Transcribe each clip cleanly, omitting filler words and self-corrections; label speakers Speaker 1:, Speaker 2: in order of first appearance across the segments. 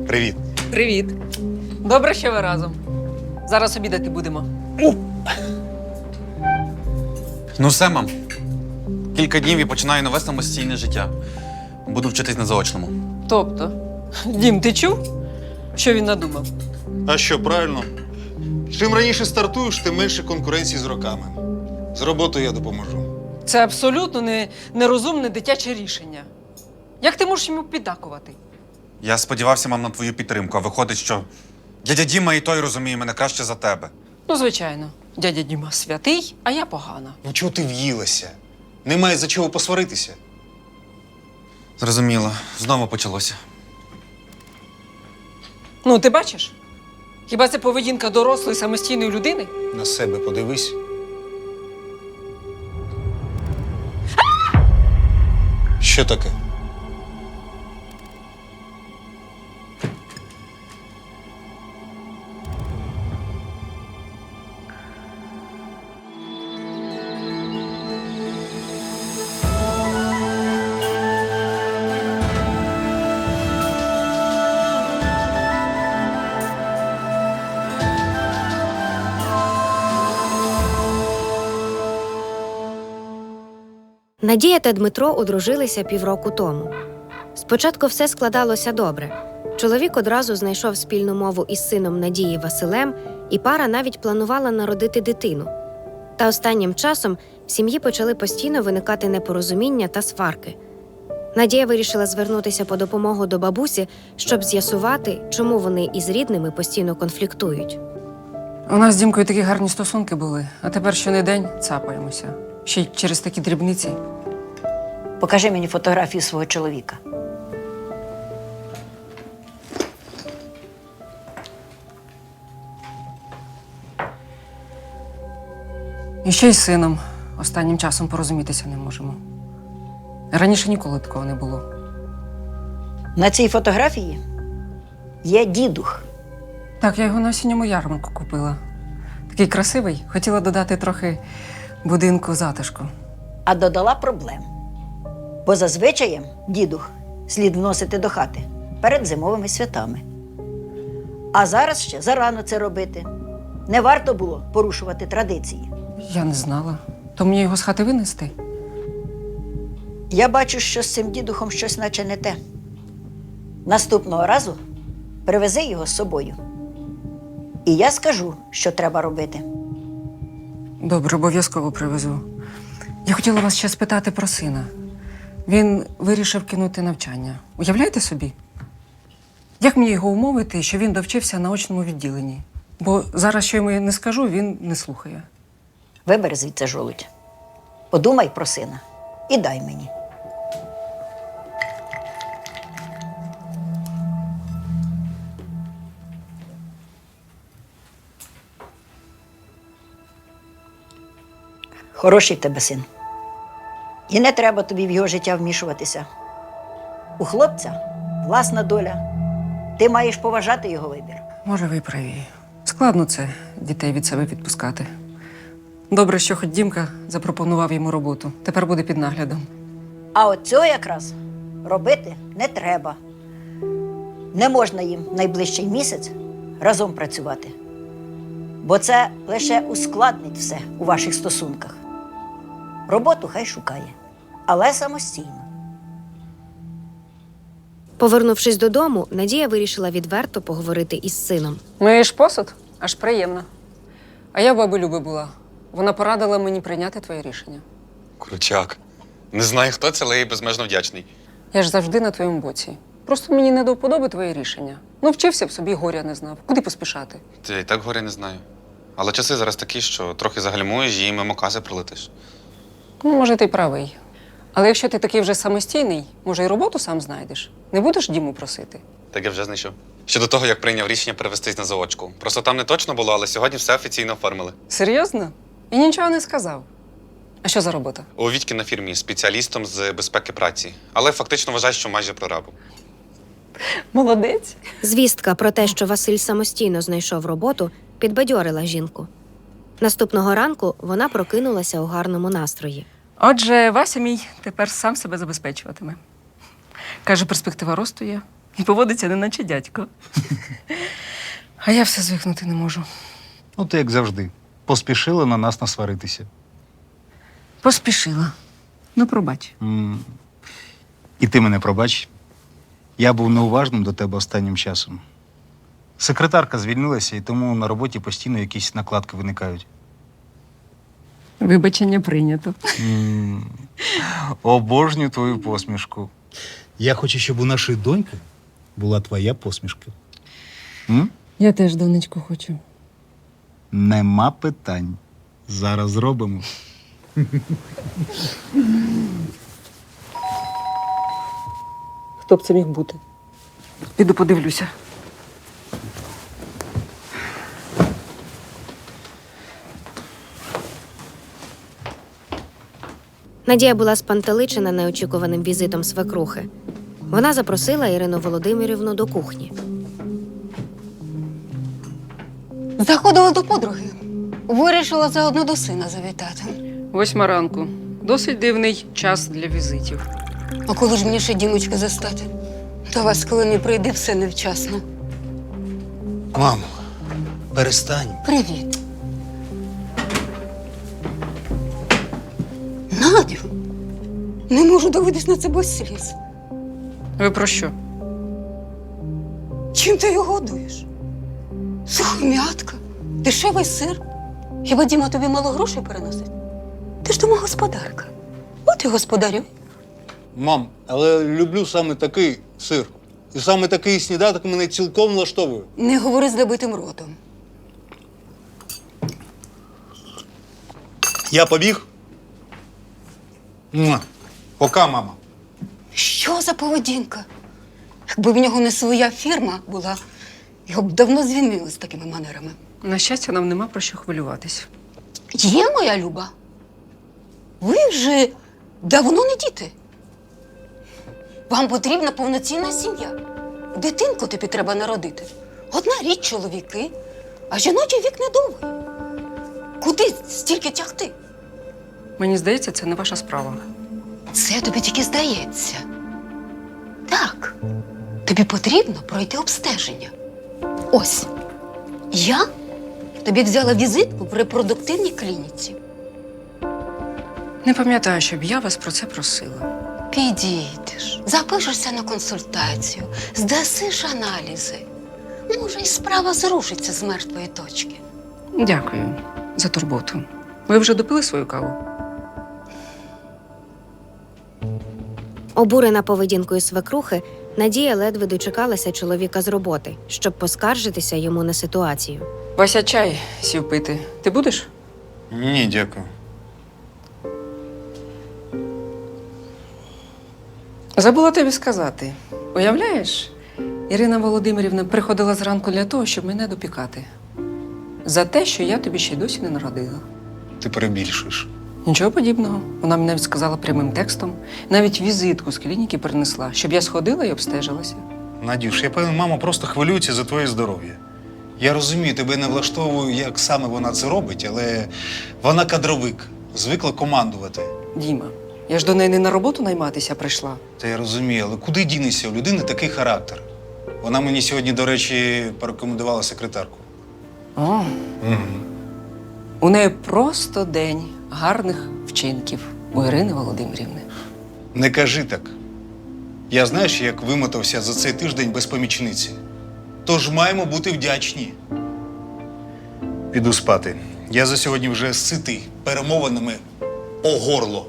Speaker 1: Привіт.
Speaker 2: Привіт. Добре, що ви разом. Зараз обідати будемо.
Speaker 1: Ну все, мам. Кілька днів і починаю нове самостійне життя. Буду вчитись на заочному.
Speaker 2: Тобто, Дім, ти чув, що він надумав?
Speaker 3: А що, правильно? Чим раніше стартуєш, тим менше конкуренції з роками. З роботою я допоможу.
Speaker 2: Це абсолютно нерозумне дитяче рішення. Як ти можеш йому піддакувати?
Speaker 1: Я сподівався, мам, на твою підтримку, а виходить, що дядя Діма і той розуміє мене краще за тебе.
Speaker 2: Ну, звичайно, дядя Діма святий, а я погана.
Speaker 3: Ну чого ти в'їлася? Немає за чого посваритися.
Speaker 1: Зрозуміло. Знову почалося.
Speaker 2: Ну, ти бачиш? Хіба це поведінка дорослої самостійної людини?
Speaker 3: На себе подивись. Що таке?
Speaker 4: Надія та Дмитро одружилися півроку тому. Спочатку все складалося добре. Чоловік одразу знайшов спільну мову із сином Надії Василем, і пара навіть планувала народити дитину. Та останнім часом в сім'ї почали постійно виникати непорозуміння та сварки. Надія вирішила звернутися по допомогу до бабусі, щоб з'ясувати, чому вони із рідними постійно конфліктують.
Speaker 2: У нас з Дімкою такі гарні стосунки були, а тепер щонедень цапаємося. Ще й через такі дрібниці.
Speaker 5: Покажи мені фотографію свого чоловіка.
Speaker 2: І ще й з сином останнім часом порозумітися не можемо. Раніше ніколи такого не було.
Speaker 5: На цій фотографії є дідух.
Speaker 2: Так, я його на осінньому ярмарку купила. Такий красивий, хотіла додати трохи будинку затишку.
Speaker 5: А додала проблем. Бо за звичаєм дідух слід вносити до хати перед зимовими святами. А зараз ще зарано це робити. Не варто було порушувати традиції.
Speaker 2: Я не знала. То мені його з хати винести?
Speaker 5: Я бачу, що з цим дідухом щось наче не те. Наступного разу привези його з собою. І я скажу, що треба робити.
Speaker 2: Добре, обов'язково привезу. Я хотіла вас ще спитати про сина. Він вирішив кинути навчання. Уявляєте собі? Як мені його умовити, що він довчився на очному відділенні? Бо зараз, що йому не скажу, він не слухає.
Speaker 5: Вибери звідси жолудь. Подумай про сина і дай мені. Хороший в тебе син. І не треба тобі в його життя вмішуватися. У хлопця власна доля. Ти маєш поважати його вибір.
Speaker 2: Може, ви праві. Складно це дітей від себе відпускати. Добре, що хоч Дімка запропонував йому роботу. Тепер буде під наглядом.
Speaker 5: А от цього якраз робити не треба. Не можна їм найближчий місяць разом працювати. Бо це лише ускладнить все у ваших стосунках. Роботу хай шукає, але самостійно.
Speaker 4: Повернувшись додому, Надія вирішила відверто поговорити із сином.
Speaker 2: Миєш посуд? Аж приємно. А я в баби Люби була. Вона порадила мені прийняти твоє рішення.
Speaker 1: Крутяк. Не знаю, хто це, але я їй безмежно вдячний.
Speaker 2: Я ж завжди на твоєму боці. Просто мені не до вподоби твоє рішення. Ну, вчився б собі, горя не знав. Куди поспішати?
Speaker 1: Та я і так горя не знаю. Але часи зараз такі, що трохи загальмуєш і мимо каси пролетиш.
Speaker 2: Ну, може, ти й правий. Але якщо ти такий вже самостійний, може, і роботу сам знайдеш. Не будеш Діму просити?
Speaker 1: Так я вже знайшов. Щодо того, як прийняв рішення перевестись на заочку. Просто там не точно було, але сьогодні все офіційно оформили.
Speaker 2: Серйозно? І нічого не сказав. А що за робота?
Speaker 1: У Вітьки на фірмі спеціалістом з безпеки праці. Але фактично вважаю, що майже прорабом.
Speaker 2: Молодець.
Speaker 4: Звістка про те, що Василь самостійно знайшов роботу, підбадьорила жінку. Наступного ранку вона прокинулася у гарному настрої.
Speaker 2: Отже, Вася мій тепер сам себе забезпечуватиме. Каже, перспектива росту є. І поводиться, неначе дядько. А я все звикнути не можу.
Speaker 6: Ну, ти як завжди. Поспішила на нас насваритися.
Speaker 2: Поспішила. Ну, пробач.
Speaker 6: І ти мене пробач. Я був неуважним до тебе останнім часом. Секретарка звільнилася, і тому на роботі постійно якісь накладки виникають.
Speaker 2: Вибачення прийнято.
Speaker 6: Обожнюю твою посмішку. Я хочу, щоб у нашої доньки була твоя посмішка.
Speaker 2: Я теж донечку хочу.
Speaker 6: Нема питань. Зараз зробимо.
Speaker 2: Хто б це міг бути? Піду подивлюся.
Speaker 4: Надія була спантеличена неочікуваним візитом свекрухи. Вона запросила Ірину Володимирівну до кухні.
Speaker 7: Заходила до подруги. Вирішила заодно до сина завітати.
Speaker 2: 8 ранку. Досить дивний час для візитів.
Speaker 7: А коли ж мені ще дімочки застати? До вас, коли не прийде, все невчасно.
Speaker 3: Мамо, перестань.
Speaker 7: Привіт. Надю, не можу дивитись на це без сліз.
Speaker 2: Ви про що?
Speaker 7: Чим ти його годуєш? Сухом'ятка, дешевий сир. Хіба Діма тобі мало грошей переносить? Ти ж домогосподарка. От і господарю.
Speaker 3: Мам, але люблю саме такий сир. І саме такий сніданок мене цілком влаштовує.
Speaker 7: Не говори з набитим ротом.
Speaker 3: Я побіг. Пока, мама.
Speaker 7: Що за поведінка? Якби в нього не своя фірма була, його б давно звільнили з такими манерами.
Speaker 2: На щастя, нам нема про що хвилюватись.
Speaker 7: Є, моя Люба. Ви вже давно не діти. Вам потрібна повноцінна сім'я. Дитинку тобі треба народити. Одна річ чоловіки, а жіночий вік недовгий. Куди стільки тягти?
Speaker 2: Мені здається, це не ваша справа.
Speaker 7: Це тобі тільки здається. Так, тобі потрібно пройти обстеження. Ось, я тобі взяла візитку в репродуктивній клініці.
Speaker 2: Не пам'ятаю, щоб я вас про це просила.
Speaker 7: Підійдеш, запишешся на консультацію, здасиш аналізи. Може, і справа зрушиться з мертвої точки.
Speaker 2: Дякую за турботу. Ви вже допили свою каву?
Speaker 4: Обурена поведінкою свекрухи, Надія ледве дочекалася чоловіка з роботи, щоб поскаржитися йому на ситуацію.
Speaker 2: Вася чай сів пити. Ти будеш?
Speaker 3: Ні, дякую.
Speaker 2: Забула тобі сказати. Уявляєш, Ірина Володимирівна приходила зранку для того, щоб мене допікати. За те, що я тобі ще й досі не народила.
Speaker 3: Ти перебільшуєш.
Speaker 2: Нічого подібного. Вона мені навіть сказала прямим текстом. Навіть візитку з клініки принесла, щоб я сходила і обстежилася.
Speaker 3: Надюш, я певен, мама просто хвилюється за твоє здоров'я. Я розумію, тебе не влаштовую, як саме вона це робить, але вона кадровик, звикла командувати.
Speaker 2: Діма, я ж до неї не на роботу найматися прийшла.
Speaker 3: Та я розумію, але куди дінешся? У людини такий характер. Вона мені сьогодні, до речі, порекомендувала секретарку.
Speaker 2: О, у неї просто день гарних вчинків у Ірини Володимирівни.
Speaker 3: Не кажи так. Я знаєш, як вимотався за цей тиждень без помічниці. Тож маємо бути вдячні. Піду спати. Я за сьогодні вже ситий перемовинами о горло.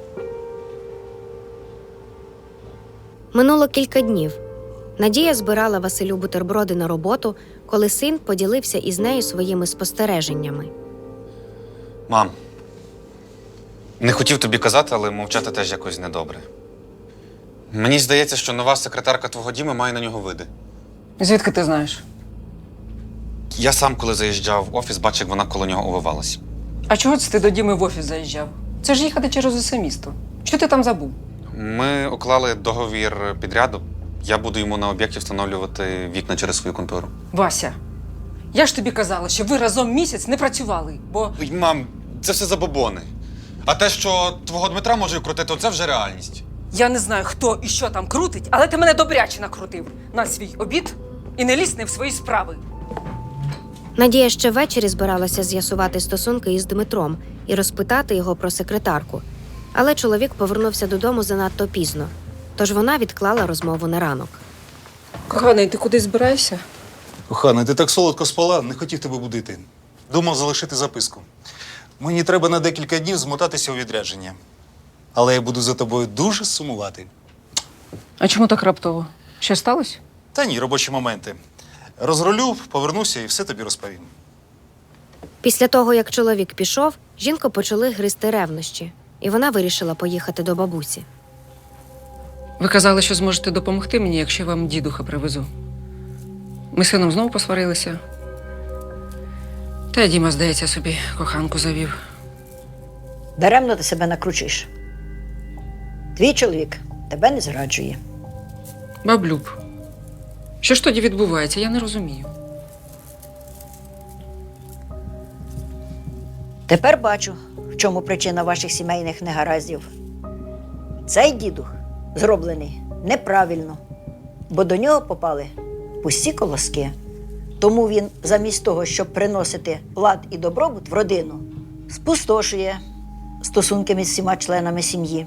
Speaker 4: Минуло кілька днів. Надія збирала Василю бутерброди на роботу, коли син поділився із нею своїми спостереженнями.
Speaker 1: Мам, не хотів тобі казати, але мовчати теж якось недобре. Мені здається, що нова секретарка твого Діми має на нього види.
Speaker 2: Звідки ти знаєш?
Speaker 1: Я сам, коли заїжджав в офіс, бачив, як вона коло нього увивалась.
Speaker 2: А чого це ти до Діми в офіс заїжджав? Це ж їхати через усе місто. Що ти там забув?
Speaker 1: Ми уклали договір підряду. Я буду йому на об'єкті встановлювати вікна через свою контору.
Speaker 2: Вася, я ж тобі казала, що ви разом місяць не працювали, бо…
Speaker 1: Ой, мам, це все забобони. А те, що твого Дмитра може крутити, це вже реальність.
Speaker 2: Я не знаю, хто і що там крутить, але ти мене добряче накрутив на свій обід і не лізь не в свої справи.
Speaker 4: Надія ще ввечері збиралася з'ясувати стосунки із Дмитром і розпитати його про секретарку. Але чоловік повернувся додому занадто пізно, тож вона відклала розмову на ранок.
Speaker 2: Коханий, ти кудись збираєшся?
Speaker 3: Кохана, ти так солодко спала, не хотів тебе будити. Думав залишити записку. Мені треба на декілька днів змотатися у відрядження. Але я буду за тобою дуже сумувати.
Speaker 2: А чому так раптово? Що сталося?
Speaker 3: Та ні, робочі моменти. Розрулю, повернуся і все тобі розповім.
Speaker 4: Після того, як чоловік пішов, жінку почали гризти ревнощі, і вона вирішила поїхати до бабусі.
Speaker 2: Ви казали, що зможете допомогти мені, якщо я вам дідуха привезу. Ми з сином знову посварилися. Та й Діма, здається, собі коханку завів.
Speaker 5: Даремно ти себе накручуєш. Твій чоловік тебе не зраджує.
Speaker 2: Баблюб, що ж тоді відбувається, я не розумію.
Speaker 5: Тепер бачу, в чому причина ваших сімейних негараздів. Цей дідух зроблений неправильно, бо до нього попали пусті колоски. Тому він, замість того, щоб приносити лад і добробут в родину, спустошує стосунки між всіма членами сім'ї.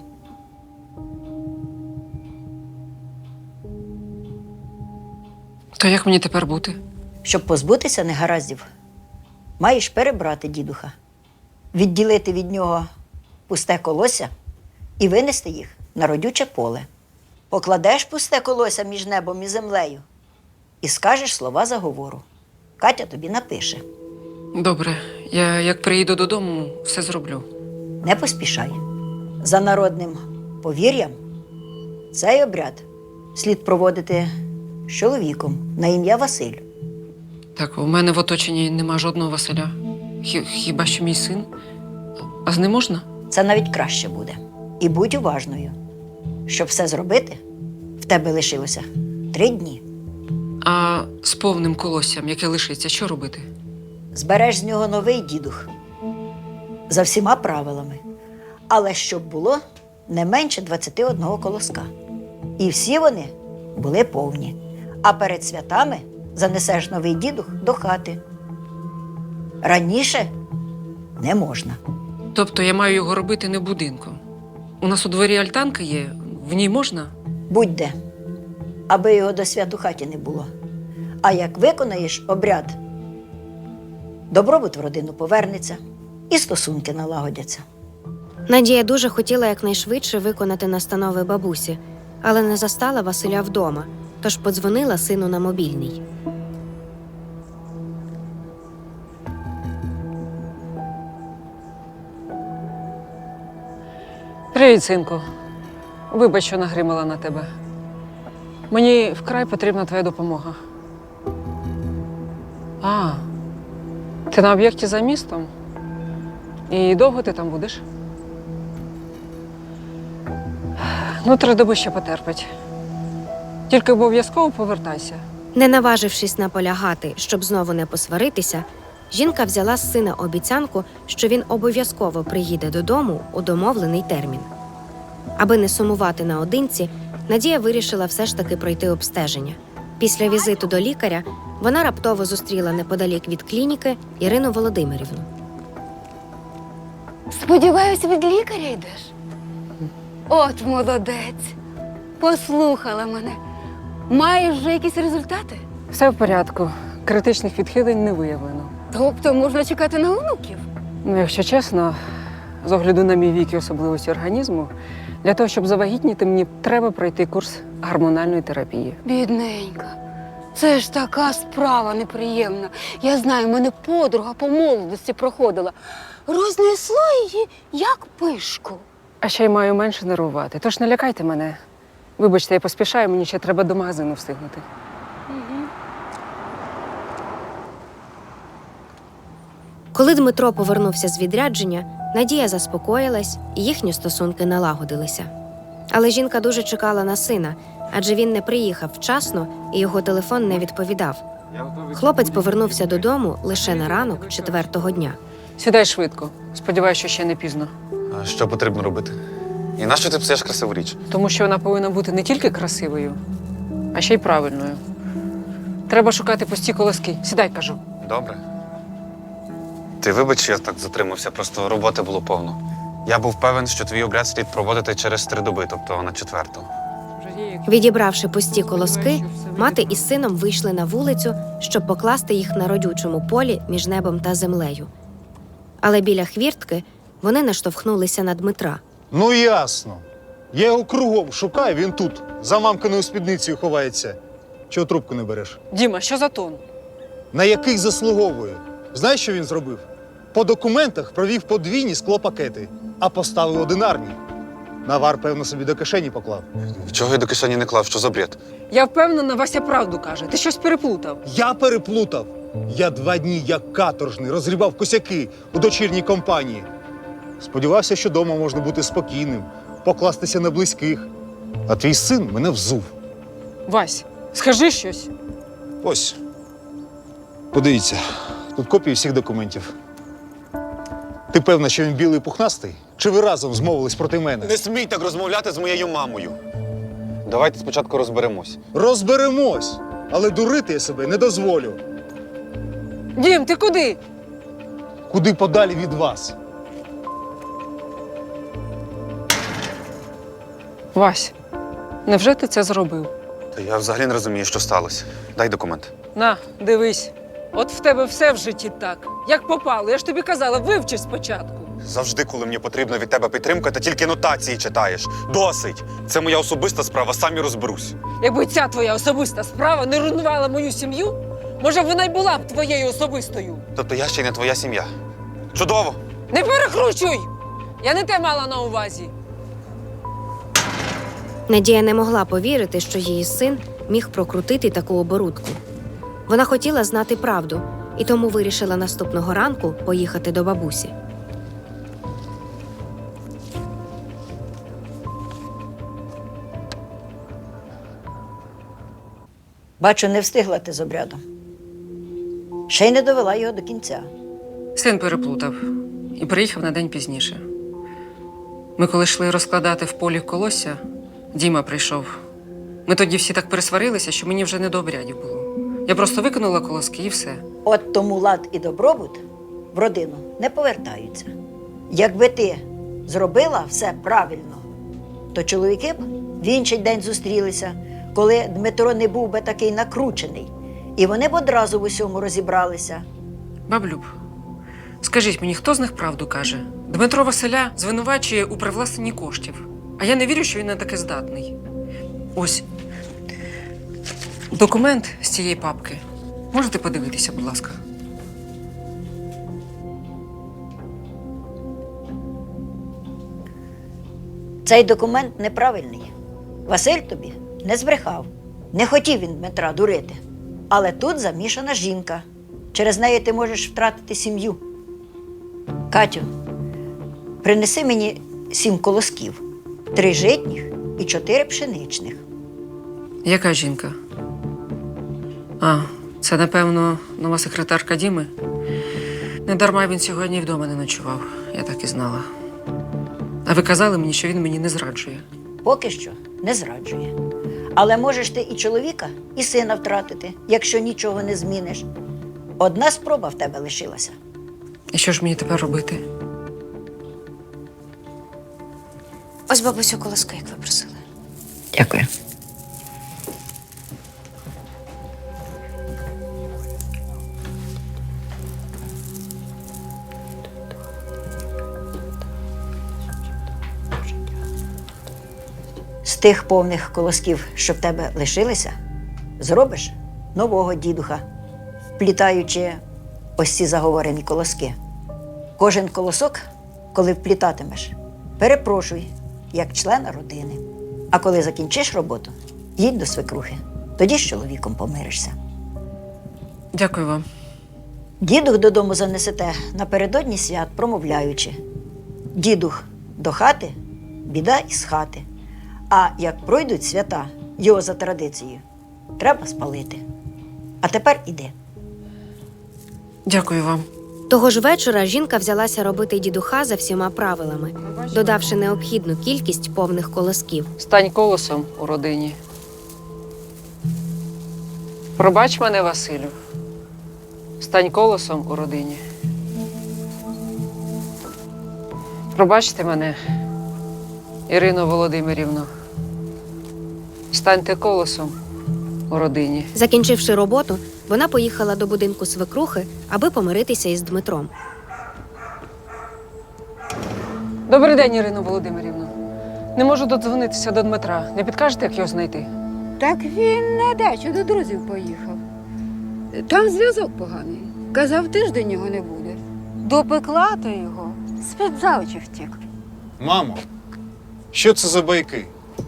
Speaker 2: То як мені тепер бути?
Speaker 5: Щоб позбутися негараздів, маєш перебрати дідуха, відділити від нього пусте колося і винести їх на родюче поле. Покладеш пусте колося між небом і землею і скажеш слова заговору. Катя тобі напише.
Speaker 2: Добре, я як приїду додому, все зроблю.
Speaker 5: Не поспішай. За народним повір'ям, цей обряд слід проводити з чоловіком на ім'я Василь.
Speaker 2: Так, у мене в оточенні нема жодного Василя. Хіба що мій син? А з ним можна?
Speaker 5: Це навіть краще буде. І будь уважною. Щоб все зробити, в тебе лишилося 3 дні.
Speaker 2: А з повним колоссям, яке лишиться, що робити?
Speaker 5: Збереш з нього новий дідух. За всіма правилами. Але щоб було не менше 21 колоска. І всі вони були повні. А перед святами занесеш новий дідух до хати. Раніше не можна.
Speaker 2: Тобто я маю його робити не в будинку. У нас у дворі альтанка є, в ній можна?
Speaker 5: Будь-де, аби його до свят у хаті не було. А як виконаєш обряд, добробут в родину повернеться і стосунки налагодяться.
Speaker 4: Надія дуже хотіла якнайшвидше виконати настанови бабусі, але не застала Василя вдома, тож подзвонила сину на мобільний.
Speaker 2: Привіт, синку. Вибач, що нагримала на тебе. Мені вкрай потрібна твоя допомога. А, ти на об'єкті за містом? І довго ти там будеш? Ну, 3 доби ще потерпить. Тільки обов'язково повертайся.
Speaker 4: Не наважившись наполягати, щоб знову не посваритися, жінка взяла з сина обіцянку, що він обов'язково приїде додому у домовлений термін. Аби не сумувати наодинці, Надія вирішила все ж таки пройти обстеження. Після візиту до лікаря вона раптово зустріла неподалік від клініки Ірину Володимирівну.
Speaker 7: Сподіваюся, від лікаря йдеш? От молодець. Послухала мене. Маєш вже якісь результати?
Speaker 2: Все в порядку. Критичних відхилень не виявлено.
Speaker 7: Тобто можна чекати на онуків?
Speaker 2: Ну, якщо чесно, з огляду на мій вік і особливості організму, для того, щоб завагітніти, мені треба пройти курс гормональної терапії.
Speaker 7: Бідненька. Це ж така справа неприємна. Я знаю, мене подруга по молодості проходила. Рознесло її, як пишку.
Speaker 2: А ще й маю менше нервувати. Тож не лякайте мене. Вибачте, я поспішаю, мені ще треба до магазину встигнути.
Speaker 4: Коли Дмитро повернувся з відрядження, Надія заспокоїлась і їхні стосунки налагодилися. Але жінка дуже чекала на сина, адже він не приїхав вчасно і його телефон не відповідав. Хлопець повернувся додому лише на ранок 4-го дня.
Speaker 2: Сідай швидко. Сподіваюся, що ще не пізно.
Speaker 1: А що потрібно робити? І нащо ти псуєш красиву річ?
Speaker 2: Тому що вона повинна бути не тільки красивою, а ще й правильною. Треба шукати пусті колоски. Сідай, кажу.
Speaker 1: Добре. Ти вибач, що я так затримався, просто роботи було повно. Я був певен, що твій обряд слід проводити через 3 доби, тобто на 4-ту.
Speaker 4: Відібравши пусті колоски, мати із сином вийшли на вулицю, щоб покласти їх на родючому полі між небом та землею. Але біля хвіртки вони наштовхнулися на Дмитра.
Speaker 3: Ну ясно. Я його кругом шукаю, він тут, за мамкиною спідницею ховається. Чого трубку не береш?
Speaker 2: Діма, що за тон?
Speaker 3: На який заслуговує? Знаєш, що він зробив? По документах провів подвійні склопакети, а поставив одинарні. Навар, певно, собі до кишені поклав.
Speaker 1: Чого я до кишені не клав? Що за бред?
Speaker 2: Я впевнена, Вася правду каже. Ти щось переплутав.
Speaker 3: Я переплутав. Я 2 дні, як каторжний, розгрібав косяки у дочірній компанії. Сподівався, що вдома можна бути спокійним, покластися на близьких. А твій син мене взув.
Speaker 2: Вась, скажи щось.
Speaker 3: Ось. Подивіться, тут копії всіх документів. Ти певна, що він білий і пухнастий? Чи ви разом змовились проти мене?
Speaker 1: Не смій так розмовляти з моєю мамою. Давайте спочатку розберемось.
Speaker 3: Розберемось, але дурити я себе не дозволю.
Speaker 2: Дім, ти куди?
Speaker 3: Куди подалі від вас?
Speaker 2: Вась, невже ти це зробив?
Speaker 1: Та я взагалі не розумію, що сталося. Дай документ.
Speaker 2: На, дивись. От в тебе все в житті так. Як попало, я ж тобі казала, вивчи спочатку.
Speaker 1: Завжди, коли мені потрібна від тебе підтримка, ти тільки нотації читаєш. Досить! Це моя особиста справа, сам і розберусь.
Speaker 2: Якби ця твоя особиста справа не руйнувала мою сім'ю, може б вона й була б твоєю особистою.
Speaker 1: Тобто я ще й не твоя сім'я. Чудово!
Speaker 2: Не перекручуй! Я не те мала на увазі.
Speaker 4: Надія не могла повірити, що її син міг прокрутити таку оборудку. Вона хотіла знати правду і тому вирішила наступного ранку поїхати до бабусі.
Speaker 5: Бачу, не встигла ти з обрядом. Ще й не довела його до кінця.
Speaker 2: Син переплутав і приїхав на день пізніше. Ми коли йшли розкладати в полі колосся, Діма прийшов. Ми тоді всі так пересварилися, що мені вже не до обрядів було. Я просто викинула колоски і все.
Speaker 5: От тому лад і добробут в родину не повертаються. Якби ти зробила все правильно, то чоловіки б в інший день зустрілися, коли Дмитро не був би такий накручений, і вони б одразу в усьому розібралися.
Speaker 2: Баблюб, скажіть мені, хто з них правду каже? Дмитро Василя звинувачує у привласненні коштів, а я не вірю, що він на таке здатний. Ось документ з цієї папки. Можете подивитися, будь ласка?
Speaker 5: Цей документ неправильний. Василь тобі не збрехав. Не хотів він Дмитра дурити. Але тут замішана жінка. Через неї ти можеш втратити сім'ю. Катю, принеси мені 7 колосків, 3 житніх і 4 пшеничних.
Speaker 2: Яка жінка? А, це, напевно, нова секретарка Діми? Недарма він сьогодні вдома не ночував. Я так і знала. А ви казали мені, що він мені не зраджує.
Speaker 5: Поки що не зраджує. Але можеш ти і чоловіка, і сина втратити, якщо нічого не зміниш. Одна спроба в тебе лишилася.
Speaker 2: І що ж мені тепер робити?
Speaker 7: Ось, бабусю, колоски, як ви просили.
Speaker 5: Дякую. З тих повних колосків, що в тебе лишилися, зробиш нового дідуха, вплітаючи ось ці заговорені колоски. Кожен колосок, коли вплітатимеш, перепрошуй, як члена родини. А коли закінчиш роботу, їдь до свекрухи. Тоді з чоловіком помиришся.
Speaker 2: Дякую вам.
Speaker 5: Дідух додому занесете напередодні свят, промовляючи: дідух до хати, біда із хати. А як пройдуть свята, його за традицією, треба спалити. А тепер іди.
Speaker 2: Дякую вам.
Speaker 4: Того ж вечора жінка взялася робити дідуха за всіма правилами, додавши необхідну кількість повних колосків.
Speaker 2: Стань колосом у родині. Пробач мене, Василю. Стань колосом у родині. Пробачте мене, Ірино Володимирівно. Станьте колосом у родині.
Speaker 4: Закінчивши роботу, вона поїхала до будинку свекрухи, аби помиритися із Дмитром.
Speaker 2: Добрий день, Ірино Володимирівно. Не можу додзвонитися до Дмитра. Не підкажете, як його знайти?
Speaker 8: Так він на дачу до друзів поїхав. Там зв'язок поганий. Казав, тиждень його не буде. Допекла то його. З-під за очі втік.
Speaker 3: Мамо, що це за байки?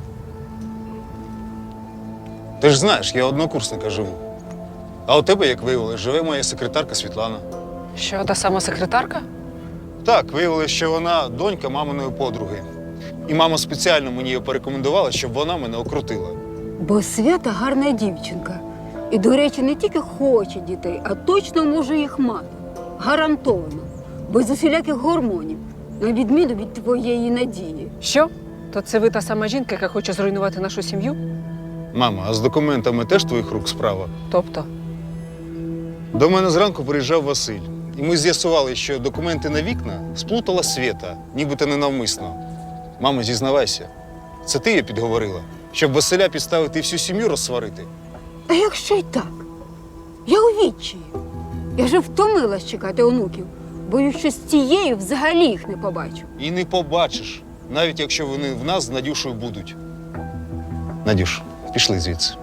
Speaker 3: Ти ж знаєш, я однокурсника живу. А у тебе, як виявилось, живе моя секретарка Світлана.
Speaker 2: Що, та сама секретарка?
Speaker 3: Так, виявилось, що вона донька маминої подруги. І мама спеціально мені її порекомендувала, щоб вона мене окрутила.
Speaker 8: Бо Свята гарна дівчинка. І, до речі, не тільки хоче дітей, а точно може їх мати. Гарантовано. Без усіляких гормонів. На відміну від твоєї Надії.
Speaker 2: Що? То це ви та сама жінка, яка хоче зруйнувати нашу сім'ю?
Speaker 3: Мама, а з документами теж твоїх рук справа?
Speaker 2: Тобто?
Speaker 3: До мене зранку приїжджав Василь. І ми з'ясували, що документи на вікна сплутала Свята, нібито ненавмисно. Мамо, зізнавайся, це ти її підговорила, щоб Василя підставити і всю сім'ю розсварити?
Speaker 8: А якщо й так? Я у відчаї. Я вже втомилась чекати онуків. Боюсь, що з цією взагалі їх не побачу.
Speaker 3: І не побачиш, навіть якщо вони в нас з Надюшою будуть. Надюш, пішли звідси.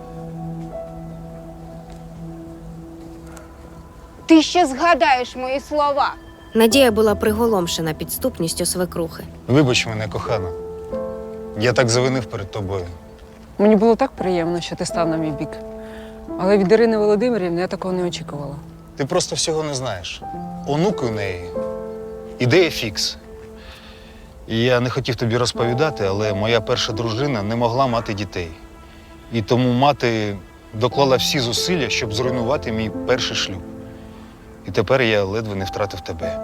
Speaker 8: Ти ще згадаєш мої слова.
Speaker 4: Надія була приголомшена підступністю свекрухи.
Speaker 3: Вибач мене, кохана. Я так завинив перед тобою.
Speaker 2: Мені було так приємно, що ти став на мій бік. Але від Ірини Володимирівни я такого не очікувала.
Speaker 3: Ти просто всього не знаєш. Онуки у неї ідея фікс. І я не хотів тобі розповідати, але моя перша дружина не могла мати дітей. І тому мати доклала всі зусилля, щоб зруйнувати мій перший шлюб. І тепер я ледве не втратив тебе.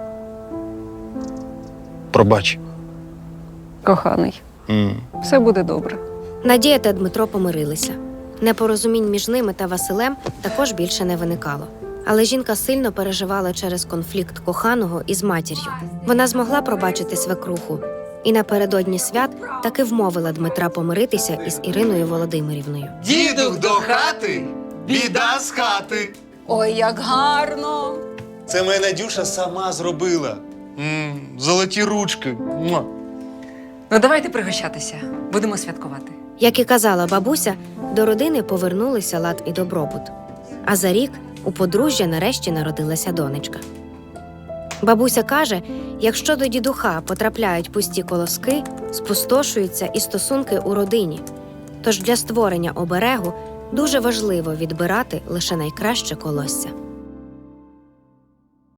Speaker 3: Пробач.
Speaker 2: Коханий, все буде добре.
Speaker 4: Надія та Дмитро помирилися. Непорозумінь між ними та Василем також більше не виникало. Але жінка сильно переживала через конфлікт коханого із матір'ю. Вона змогла пробачити свекруху і напередодні свят таки вмовила Дмитра помиритися із Іриною Володимирівною.
Speaker 9: Дідух до хати, біда з хати.
Speaker 8: Ой, як гарно!
Speaker 3: Це моя Надюша сама зробила. Золоті ручки. Муа.
Speaker 2: Ну давайте пригощатися. Будемо святкувати.
Speaker 4: Як і казала бабуся, до родини повернулися лад і добробут. А за рік у подружжя нарешті народилася донечка. Бабуся каже, якщо до дідуха потрапляють пусті колоски, спустошуються і стосунки у родині. Тож для створення оберегу дуже важливо відбирати лише найкраще колосся.